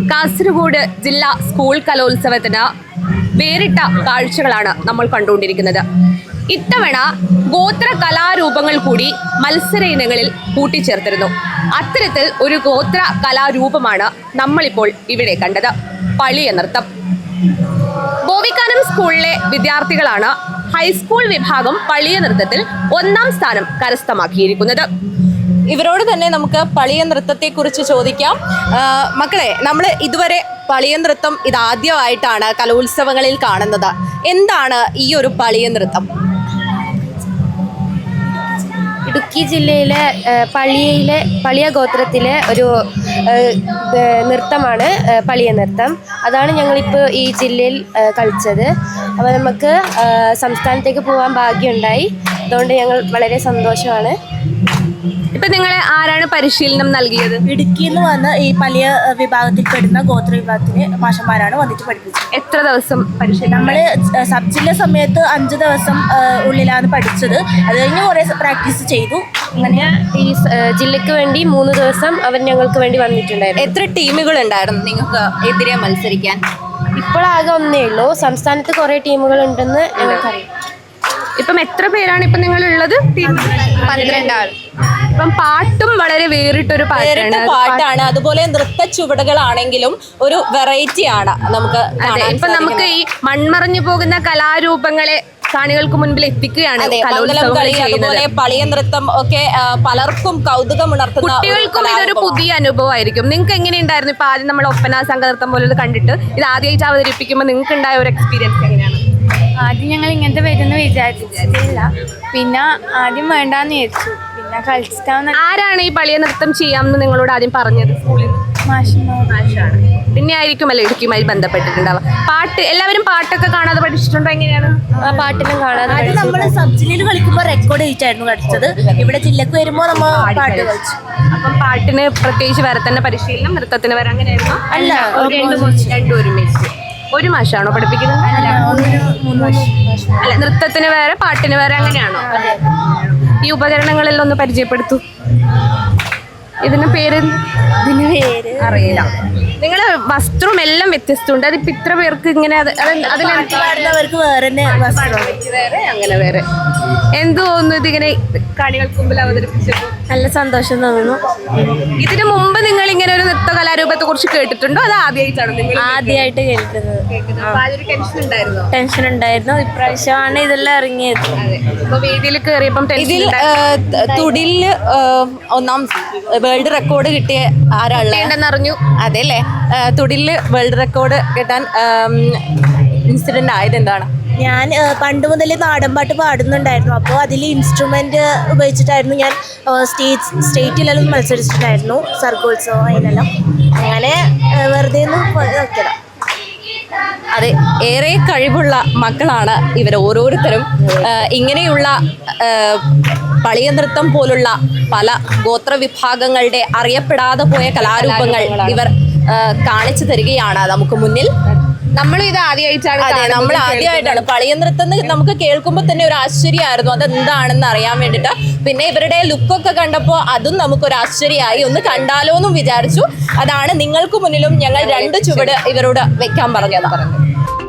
കാസർഗോഡ് ജില്ലാ സ്കൂൾ കലോത്സവത്തിന് വേറിട്ട കാഴ്ചകളാണ് നമ്മൾ കണ്ടുകൊണ്ടിരിക്കുന്നത്. ഇത്തവണ ഗോത്ര കലാരൂപങ്ങൾ കൂടി മത്സര ഇനങ്ങളിൽ കൂട്ടിച്ചേർത്തിരുന്നു. അത്തരത്തിൽ ഒരു ഗോത്ര കലാരൂപമാണ് നമ്മളിപ്പോൾ ഇവിടെ കണ്ടത്, പളിയ നൃത്തം. ബോവിക്കാനം സ്കൂളിലെ വിദ്യാർത്ഥികളാണ് ഹൈസ്കൂൾ വിഭാഗം പളിയ നൃത്തത്തിൽ 1ാം സ്ഥാനം കരസ്ഥമാക്കിയിരിക്കുന്നത്. ഇവരോട് തന്നെ നമുക്ക് പളിയ നൃത്തത്തെ കുറിച്ച് ചോദിക്കാം. മക്കളെ, നമ്മൾ ഇതുവരെ പളിയ നൃത്തം ഇതാദ്യമായിട്ടാണ് കലോത്സവങ്ങളിൽ കാണുന്നത്. എന്താണ് ഈ ഒരു പളിയ നൃത്തം? ഇടുക്കി ജില്ലയിലെ പളിയ ഗോത്രത്തിലെ ഒരു നൃത്തമാണ് പളിയ നൃത്തം. അതാണ് ഞങ്ങളിപ്പോൾ ഈ ജില്ലയിൽ കളിച്ചത്. അപ്പോൾ നമുക്ക് സംസ്ഥാനത്തേക്ക് പോകാൻ ഭാഗ്യമുണ്ടായി. അതുകൊണ്ട് ഞങ്ങൾ വളരെ സന്തോഷമാണ്. ഇപ്പൊ നിങ്ങളെ ആരാണ് പരിശീലനം നൽകിയത്? ഇടുക്കിയിൽ നിന്ന് വന്ന് ഈ പളിയ വിഭാഗത്തിൽ പെടുന്ന ഗോത്ര വിഭാഗത്തിലെ മാഷന്മാരാണ് വന്നിട്ട് പഠിപ്പിച്ചത്. എത്ര ദിവസം പരിശീലനം? നമ്മൾ സബ് ജില്ല സമയത്ത് 5 ദിവസം ഉള്ളിലാണ് പഠിച്ചത്. അത് കഴിഞ്ഞ് കുറേ പ്രാക്ടീസ് ചെയ്തു. അങ്ങനെ ഈ ജില്ലയ്ക്ക് വേണ്ടി 3 ദിവസം അവർ ഞങ്ങൾക്ക് വേണ്ടി വന്നിട്ടുണ്ടായിരുന്നു. എത്ര ടീമുകൾ ഉണ്ടായിരുന്നു നിങ്ങൾക്ക് എതിരെ മത്സരിക്കാൻ? ഇപ്പോഴാകെ ഒന്നേ ഉള്ളൂ. സംസ്ഥാനത്ത് കുറേ ടീമുകൾ ഉണ്ടെന്ന് ഞങ്ങൾക്കറിയാം. ഇപ്പം എത്ര പേരാണ് ഇപ്പം നിങ്ങളുള്ളത്? 12 ആൾ. ഇപ്പം പാട്ടും വളരെ വേറിട്ടൊരു പാട്ടാണ്. അതുപോലെ നൃത്ത ചുവടുകളാണെങ്കിലും ഒരു വെറൈറ്റി ആണ് നമുക്ക്. ഇപ്പൊ നമുക്ക് ഈ മൺമറഞ്ഞു പോകുന്ന കലാരൂപങ്ങളെ കാണികൾക്ക് മുൻപിൽ എത്തിക്കുകയാണ്. അതുപോലെ പളിയ നൃത്തം ഒക്കെ പലർക്കും കൗതുകമുണർത്തുന്ന, കുട്ടികൾക്കും ഇതൊരു പുതിയ അനുഭവമായിരിക്കും. നിങ്ങൾക്ക് എങ്ങനെയുണ്ടായിരുന്നു? ഇപ്പൊ ആദ്യം നമ്മൾ ഒപ്പന സംഘനൃത്തം പോലെ കണ്ടിട്ട് ഇത് ആദ്യമായിട്ട് അവതരിപ്പിക്കുമ്പോൾ നിങ്ങൾക്ക് ഉണ്ടായ ഒരു എക്സ്പീരിയൻസ് എങ്ങനെയാണ്? ആദ്യം ഞങ്ങൾ ഇങ്ങനത്തെ വരുമെന്ന് വിചാരിച്ചില്ല. പിന്നെ ആദ്യം വേണ്ടാന്ന് വിചാരിച്ചു. പിന്നെ കളിച്ചിട്ടാവുന്ന. ആരാണ് ഈ പളിയ നൃത്തം ചെയ്യാമെന്ന് നിങ്ങളോട് ആദ്യം പറഞ്ഞത്? സ്കൂളിൽ മാഷാണ്. പിന്നെ ആയിരിക്കുമല്ലോ ഇടുക്കിയുമായി ബന്ധപ്പെട്ടിട്ടുണ്ടാവുക. പാട്ട് എല്ലാവരും പാട്ടൊക്കെ കാണാതെ പഠിച്ചിട്ടുണ്ടോ? എങ്ങനെയാണ്? പാട്ടിലും കാണാതെ. അത് നമ്മൾ സബ് ജില്ലയിൽ കളിക്കുമ്പോൾ റെക്കോർഡ് ചെയ്തിട്ടായിരുന്നു കളിച്ചത്. ഇവിടെ ജില്ലക്ക് വരുമ്പോൾ നമ്മൾ പാട്ട് കളിച്ചു. അപ്പം പാട്ടിന് പ്രത്യേകിച്ച് വേറെ തന്നെ പരിശീലനം, നൃത്തത്തിന് വരെ അങ്ങനെയായിരുന്നു? അല്ല, രണ്ടും ഒരുമിച്ച്. ഒരു മാഷാണോ പഠിപ്പിക്കുന്നത്? അല്ല, നൃത്തത്തിന് വേറെ പാട്ടിന് വേറെ അങ്ങനെയാണോ? ഈ ഉപകരണങ്ങളെല്ലാം ഒന്ന് പരിചയപ്പെടുത്തു. ഇതിന് പേര് അറിയില്ല. നിങ്ങളെ വസ്ത്രവും എല്ലാം വ്യത്യസ്തമുണ്ട്. അതിപ്പോ ഇത്ര പേർക്ക് ഇങ്ങനെ അതിലവർക്ക് വേറെ അങ്ങനെ വേറെ എന്ത് തോന്നുന്നു ഇതിങ്ങനെ കാണികൾക്ക് മുമ്പിൽ അവതരിപ്പിച്ചപ്പോൾ? നല്ല സന്തോഷം തോന്നുന്നു. ഇതിനു മുമ്പ് നിങ്ങൾ ഇങ്ങനെ ഒരു നൃത്ത കലാരൂപത്തെ കുറിച്ച് കേട്ടിട്ടുണ്ടോ? അത് ആദ്യമായിട്ടാണ് നിങ്ങൾ? ആദ്യമായിട്ട് കേൾക്കുന്നത്. ടെൻഷൻ ഉണ്ടായിരുന്നു. ഇപ്രാവശ്യമാണ് ഇതെല്ലാം ഇറങ്ങിയത്. ഇപ്പൊ വേദിയിൽ കയറിയപ്പം ഇതിൽ തുടില് 1ാം വേൾഡ് റെക്കോർഡ് കിട്ടിയ ആരാളെന്നറിഞ്ഞു. അതെ അല്ലേ? തുടില് വേൾഡ് റെക്കോർഡ് കിട്ടാൻ ഇൻസിഡന്റ് ആയത് എന്താണ്? ഞാൻ പണ്ട് മുതൽ നാടൻപാട്ട് പാടുന്നുണ്ടായിരുന്നു. അപ്പോൾ അതിൽ ഇൻസ്ട്രുമെന്റ് ഉപയോഗിച്ചിട്ടായിരുന്നു ഞാൻ സ്റ്റേറ്റിലെല്ലാം മത്സരിച്ചിട്ടുണ്ടായിരുന്നു. സർഗോത്സവം അതിനെല്ലാം. അങ്ങനെ വെറുതെ നോക്കിയതാ. അതെ, ഏറെ കഴിവുള്ള മക്കളാണ് ഇവർ ഓരോരുത്തരും. ഇങ്ങനെയുള്ള പളിയ നൃത്തം പോലുള്ള പല ഗോത്ര വിഭാഗങ്ങളുടെ അറിയപ്പെടാതെ പോയ കലാരൂപങ്ങൾ ഇവർ കാണിച്ചു തരികയാണ് നമുക്ക് മുന്നിൽ. നമ്മളും ഇത് ആദ്യമായിട്ടാണ്. അതെ, നമ്മൾ ആദ്യമായിട്ടാണ് പളിയ നൃത്തം. നമുക്ക് കേൾക്കുമ്പോൾ തന്നെ ഒരു ആശ്ചര്യമായിരുന്നു അതെന്താണെന്ന് അറിയാൻ വേണ്ടിയിട്ട്. പിന്നെ ഇവരുടെ ലുക്കൊക്കെ കണ്ടപ്പോൾ അതും നമുക്കൊരു ആശ്ചര്യമായി. ഒന്ന് കണ്ടാലോ എന്നും വിചാരിച്ചു. അതാണ് നിങ്ങൾക്ക് മുന്നിലും ഞങ്ങൾ 2 ചുവട് ഇവരോട് വെക്കാൻ പറഞ്ഞത്.